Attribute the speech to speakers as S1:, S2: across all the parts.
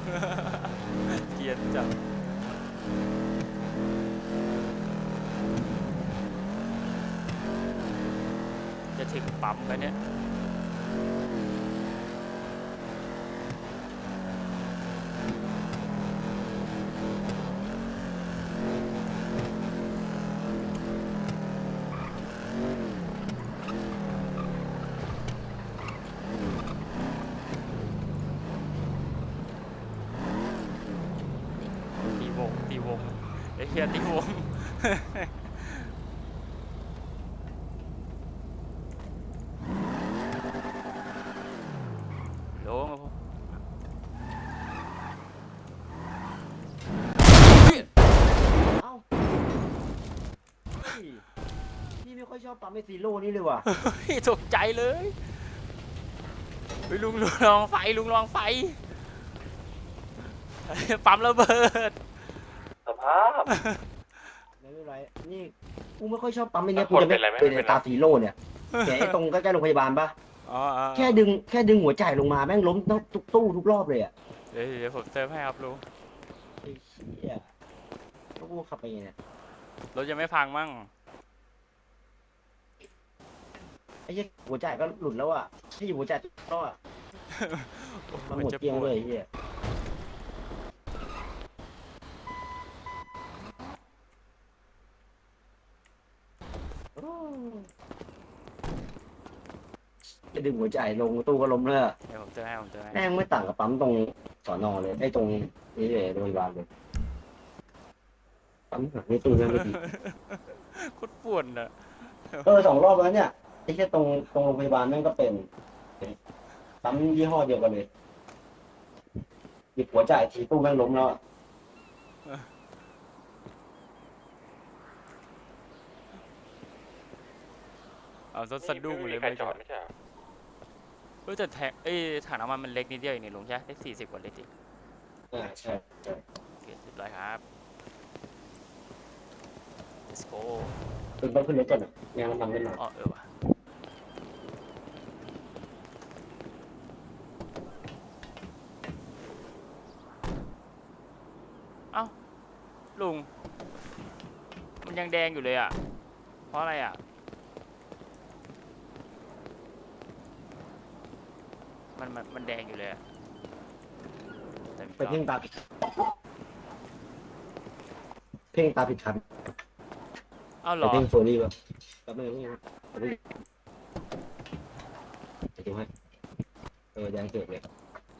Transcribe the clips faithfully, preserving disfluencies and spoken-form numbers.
S1: เกลียดจังจะถึงปั๊มไปเนี่ยตีวงตีวงไอ้เหี้ยตีวงลงครับผม
S2: เอ้าพี่ไม่ค่อยชอบปั๊มไอซีโร่นี่เลยว่ะ
S1: ตกใจเลยไปลุงลุงลองไฟลุงลองไฟปั๊มระเบิด
S3: สภาพ
S2: ไม่เป็นไรนี่กูไม่ค่อยชอบปั๊มไอเนี้ยกูจะไม่เป็นตาซีโร่เนี่ยแกไอ้ตรงใกล้ๆโรงพยาบาลปะแค่ดึงแค่ดึงหัวใจลงมาแม่งล้มทุกตู้ทุกรอบเลยอ่ะ
S1: เดี๋ยวเดี๋ยวผมเติมให้ครับลุง
S2: ไอ้เหี้ยแล้วกูขับไปไงเนี่ย
S1: รถยังไม่พังมั่ง
S2: ไอ้เหี้ยหัวใจก็หลุดแล้วอ่ะถ้าอยู่หัวใจก็อ่ะมันหมดเกลี้ยงเลยไอ้เหี้ยจะดึงหัวใจลงตู้ก็ล้มเลย
S1: เดี๋ยวผมเติมให้ผมเติมให้
S2: แม่งไม่ต่างกับปั๊มตรงสอนอเลยไอ้ตรงนี้เลยโรงพยาบาลเลยปั๊มหนักนี่ตู้นั่นไม่ดี
S1: โคตรปวดอ่ะ
S2: เออสองรอบแล้วเนี่ยไอ้แค่ตรงตรงโรงพยาบาลนั่นก็เป็นปั๊มยี่ห้อเดียวกันเลยหยิบหัวจ่ายทีตู้แม่งล้มแล้ว
S1: เอารถสะดุ้งเลยไม่จอดไม่ใช่เออแต่แทงเอ้ถังน้ำมันมันเล็กนิดเดียวเองนี่ลุงใช่ได้สี่สิบกว่าลิตรดิ
S2: อ่าใช่ใช่
S1: โอเคเรียบร้อยครับ let's go
S2: คุณต้องขึ้นรถก่อนอ่ะงานน้ำมันไม่มา
S1: อ๋อเออว่ะเอ้าลุงมันยังแดงอยู่เลยอ่ะเพราะอะไรอ่ะมันมันมันแดงอยู่เลยอะ
S2: ไปเพ่งตาผิดเพ่งตาผิดคัน
S1: อ้าวเหรอ
S2: ไปเพ่งโซนี่ป่ะแล้วไม่รู้นะจะดูให้เออแดงเกิดเลย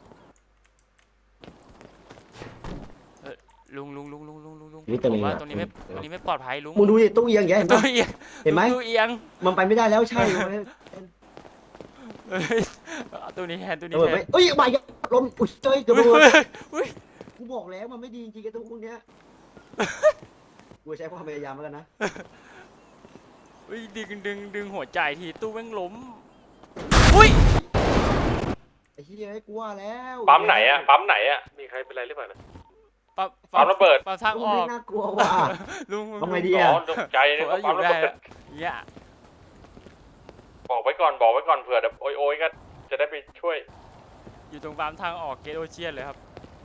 S1: ลุงลุงลุงลุงลุงลุงลุง
S2: ผม
S1: ว่าตรงนี้ไม่ตรงนี้ไม่ปลอดภัยลุง
S2: มึงดูดิตู้เอียงแย่เห็นไหมเห็นไหม
S1: ตู้เอียง
S2: มันไปไม่ได้แล้วใช่
S1: ตัวนี้แทนตัวนี้
S2: แทนเอ้ยใบลมอุ้ยเจ้ยเกือบโดนกูบอกแล้วมันไม่ดีจริงๆกับตู้พวกเนี้ยกูใช้ความพยายามแล้วกันนะ
S1: อุ้ยดึงดึงดึงหัวใจทีตู้แม่งล้มอุ้ย
S2: ไอ้เหี้ยกูว่าแล้ว
S3: ปั๊มไหนอะปั๊มไหนอะมีใครเป็นไรหรือเปล่านะ
S1: ปั๊ม
S3: ปั๊มระเบิด
S1: ปั๊มทางออก
S2: น่ากลัวว่ะ
S1: ลุง
S2: ทำไงดีอะ
S3: ตกใจเลยก็ปั๊มระเบิด
S1: เนี่ย
S3: บอกไว้ก่อนบอกไว้ก่อนเผื่อแบบโอยโอยก็จะได้ไปช่วย
S1: อยู่ตรงปั๊มทางออกเกตโอเชียนเลยครับ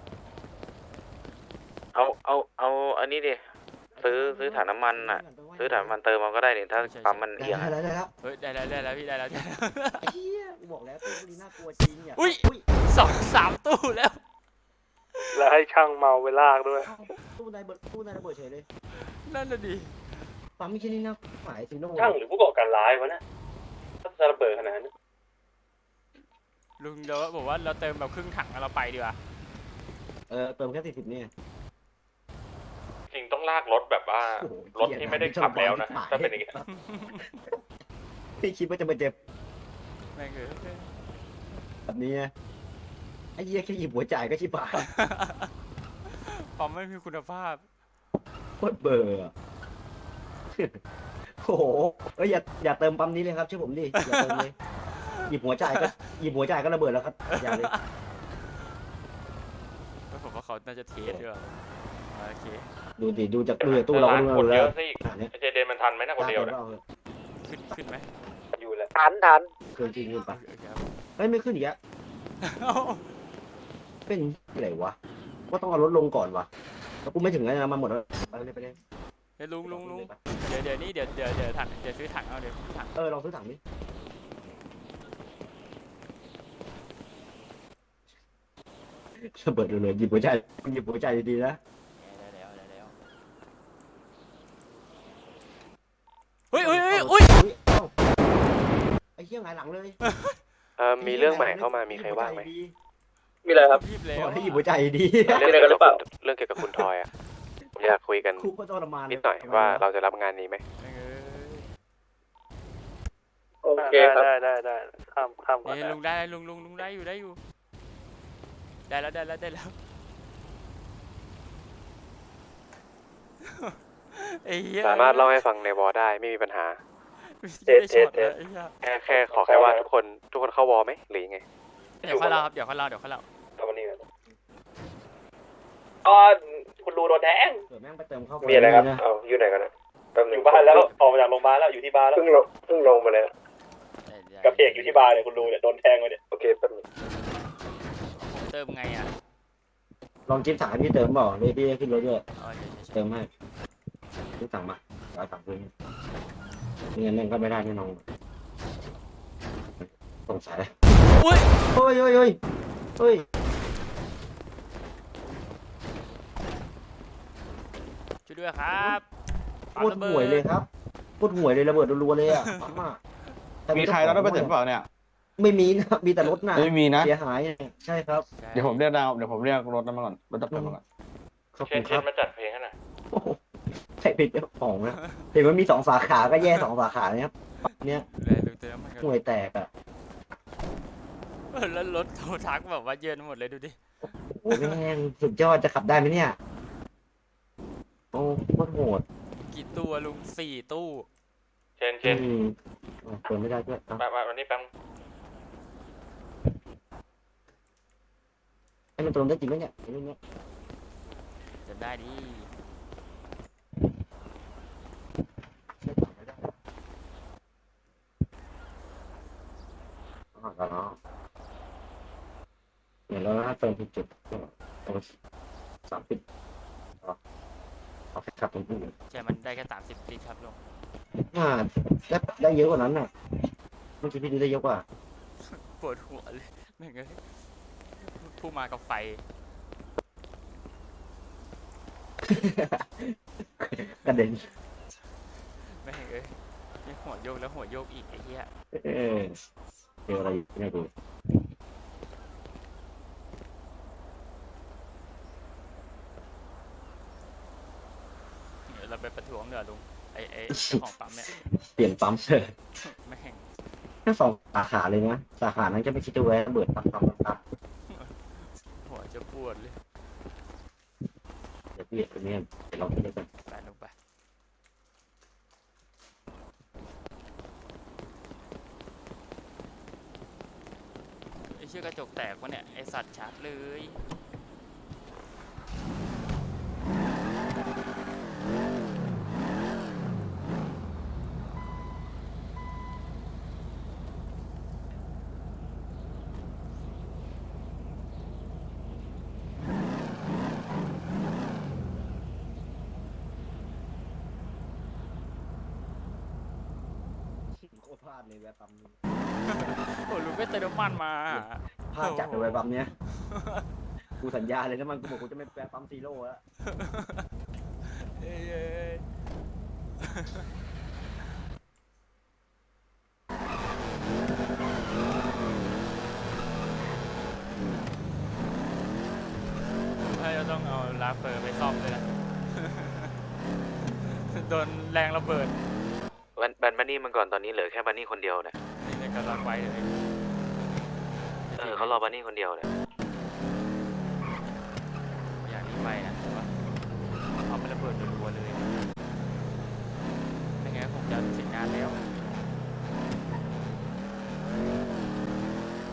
S4: เอาเอาเอาอันนี้ดิซื้อซื้อถังน้ำมันอ่ะซื้อถังน้ำมันเติมมันก็ได้นี่ถ้าปั๊มมันเอียง
S2: ได้แล้วได้แล้ว
S1: เฮ้ยได้แล้วได้แล้วพี่ได้แล้ว
S2: ไอ้เหี้ยกูบอกแล้วตู้นี้น่ากลัวจริงเนี่ย
S1: อุ้ยสองสามตู้แล้ว
S3: แล้วให้ช่างเมาไปลากด้วย
S2: ตู้ในตู้ในระเบิดเฉยเลย
S1: นั่นน่ะดิ
S2: ปั๊มไม่ใช่นี่นะหมายถึงโน่
S3: ช่างหรือผู้ก่อการร้ายวะนะถ้าจะระเบิดขนาดนี้
S1: ลุงเดี๋ยวบอกว่าเราเติมแบบครึ่งถังเราไปดีกว่า
S2: เออเติมแค่สี่สิบนี่
S3: จริงต้องลากรถแบบว่ารถที่ไม่ได้ขับแล้วนะถ้าเป็นอย่างนี้
S2: พี่คิดว่าจะมาเจ็บ
S1: แม่งเลย
S2: แบบนี้ไอ้เหี้ยแค่หยิบหัวจ่ายก็ชิบหาย
S1: ปั๊มไม่มีคุณภาพ
S2: โคตรเบอร์โอ้โหเอ้ยอย่าอย่าเติมปั๊มนี้เลยครับช่วยผมดิอย่าเติมเลยหยิบหัวจ่ายก็หยิบหัวจ่ายก็ระเบิดแล้วครับอย่าเลย
S1: ผมว่าเขาน่าจะเทสด้วยโอเค
S2: ดูดิดูจากดูจากตู้เราก็
S3: รู้แล้วไอเจเดนมันทันไหมนะคนเดียวเนี่ย
S1: ขึ้นขึ้นไหม
S3: อยู่แล้ว
S4: ทันทัน
S2: เกินจริงขึ้นปะเฮ้ยไม่ขึ้นอีกแล้วเป็นอะไรวะก็ต้องเอารถลงก่อนวะแล้วกูไม่ถึงแล้วนะมาหมดแล้วไปเลยไปเลย
S1: เฮ้ยลุงลุงลุงเดี๋ยวเดี๋ยวนี้เดี๋ยวเดี๋ยวเดี๋ยวถังเดี๋ยวซื้อถังเอาเดี๋ยวซื้อถัง
S2: เออลองซื้อถังดิระเบิดเลยหยิบหัวใจหยิบหัวใจดีๆนะ
S1: เดี๋ยวเดี๋ยวเดี๋ยวเดี๋ยวเฮ้ยเฮ้ยเฮ้ยเฮ้ย
S2: เอ้าไอ้เหี้ยหงายหลังเลย
S4: เออมีเรื่องใหม่เข้ามามีใครว่างไหม
S3: มีอะไรครับ
S1: รีบแล้ว
S2: ขอให้หยิบหัวใจดี
S4: เรื่องเกี่ยวกับคุณเรื่องเกี่ยวกับคุณทอยอ่ะผมอยากคุยกัน
S2: ครูก็ทรมาน
S4: นิดหน่อยว่าเราจะรับงานนี้ไหม
S1: เออ
S3: โอเคครับ
S5: ได้ได้ได้ข้ามข้ามก่อน
S1: เอ้ยลุงได้ลุงลุงลุงได้อยู่ได้อยู่ได้แล้วได้แล้วได้แล้วไอ้เหี้ย
S4: สามารถเล่าให้ฟังในวอลได้ไม่มีปัญหา
S1: เจ็ดเจ็ดเจ็ดไอ้เหี้ย
S4: แค่แค่ขอแค่ว่าทุกคนทุกคนเข้าวอลไหมหรือยังไง
S1: เดี๋ยวเขาเล่าครับเดี๋ยวเขาเล่าเดี๋ยวเขาเล่า
S3: เอาวันนี้กัน
S5: อ๋อคุณรูโดนแทง
S2: เดี๋ยวแม่งไปเติมเข้า
S3: มีอะไรครับ
S2: นะ
S3: เอาอยู่ไหนกันนะแป๊บห
S5: อ
S3: นึง
S5: ยู่บ้านแล้วออกมาจากโรงพยาบาลแล้วอยู่ที่บ้านแล้ว
S3: เพิ่งลงเพิ่งลงมาเลย
S5: กับเพกอยู่ที่บ้านเนี่ยคุณรูเนี่ยโดนแทงไปเนี่ย
S3: โอเคแป๊บหนึง
S1: ผมเติมไงอ่ะ
S2: ลองจิ้มถังให้พี่เติมเปล่าเลยพี่ขึ้นรถด้วย
S1: อ๋อเดี๋ยวเดี๋ยว
S2: เติมให้ซื้อถังมาเอาถังคืนไม่งั้นแม่งก็ไม่ได้แน่นอนสงสัย
S1: อุ้ย
S2: เฮ้ยเฮ้ยเฮ้ยเฮ้ย
S1: ช่วยด้วยครับ
S2: โคตรห่วยเลยครับโคตรห่วยเลยระเบิดรัวๆเลยอ่ะปั๊มอ่ะแต่
S6: มีใครรับได้ประเด็นเปล่าเนี่ย
S2: ไม่มีนะมีแต่รถน่ะ
S6: ไม่มีนะ
S2: เสียหายใช่ครับ
S6: เดี๋ยวผมเรียกดาวเดี๋ยวผมเรียกรถนั้นมาก่อน รถดับเพลิงมาก่อน
S2: ขอบ
S3: เช
S2: คุ
S3: น
S2: ณ
S3: เช
S2: ครั
S3: น
S2: บ
S3: มาจัดเพลงให้หน่อย
S2: โอ้โหใช่เป็นเจ้าของนะเห็นว่ามีสองสาขาก็แย่สองสาขาเนี่ยครับเนี่ย
S1: เลยลุงเติมมันกัน
S2: ห่วยแตกอ่ะ
S1: เออแล้วรถโทรทักแบบว่าเยินหมดเลยดูดิ
S2: โอ้แม่งสุดยอดจะขับได้ไหมเนี่ยโอ้โคตรโหด
S1: กี่ตัวลุงสี่ตู้
S3: เชนเชน
S2: อืมอ่ะเปิดไม่ได้ด้วยอ่ะ
S3: มามาวันนี้แป๊บ
S2: ให้มันตรงได้จริงไหมเนี่ยไอ้เรื่องเนี้ย
S1: จะได้ดิ
S2: ใช่ต่อไม่ได้อ๋อแล้วเนาะเนี่ยแล้วถ้าเติมผิดจุดก็ตรงสามสิบอ๋อเอาแค่ขับตรงนี้
S1: ใช่มันได้แค่สามสิบลิตรครับลุง
S2: อ่าได้ได้เยอะกว่านั้นน่ะเมื่อกี้พี่ดูได้เยอะกว่า
S1: ปวดหัวเลยแม่งเอ้ยผู้มากับไฟ
S2: กระเด็น
S1: แม่งเอ้ยนี่หัวโยกแล้วหัวโยกอีกไอ้เหี้ย
S2: เออเจออะไรเนี่ยกู
S1: เดี๋ยวเราไปประท้วงเดี๋ยวลุงไอ้ไอ้เจ้าของปั๊มเนี่ย
S2: เปลี่ยนปั๊มเถอะ
S1: แม่ง
S2: แค่สองสาขาเลยนะสาขานั้นจะไม่คิดจะแวะระเบิดปั๊มปั๊มปั๊มปั๊ม
S1: หัวจะปวดเลย
S2: เดี๋ยวพี่เดี๋ยวนี้เดี๋ยวเราไปด้วยกัน
S1: ไปลงไปไอ้เชือกกระจกแตกวะเนี่ยไอ้สัตว์ชัดเลย
S2: โคตรพลาดเลยแวะปั๊มนี้
S1: โอ้ลุงไม่เติมน้ำมันมา
S2: พลาดจัดเลยแวะปั๊มเนี้ยกูสัญญาเลยนะมันกูบอกกูจะไม่แวะปั๊มซีโร่แล้ว
S1: เอ้ยเอ้ยเอ้ยถ้าจะต้องเอาลาเฟอร์ไปซ่อมเลยนะ โดนแรงระเบิด
S4: วันบันบันนี่มันก่อนตอนนี้เหลือแค่บันนี่คนเดียวเนี่ย
S1: นี่เลยกำลังไว้เลย
S4: เออเขารอบันนี่คนเดียวเนี่ย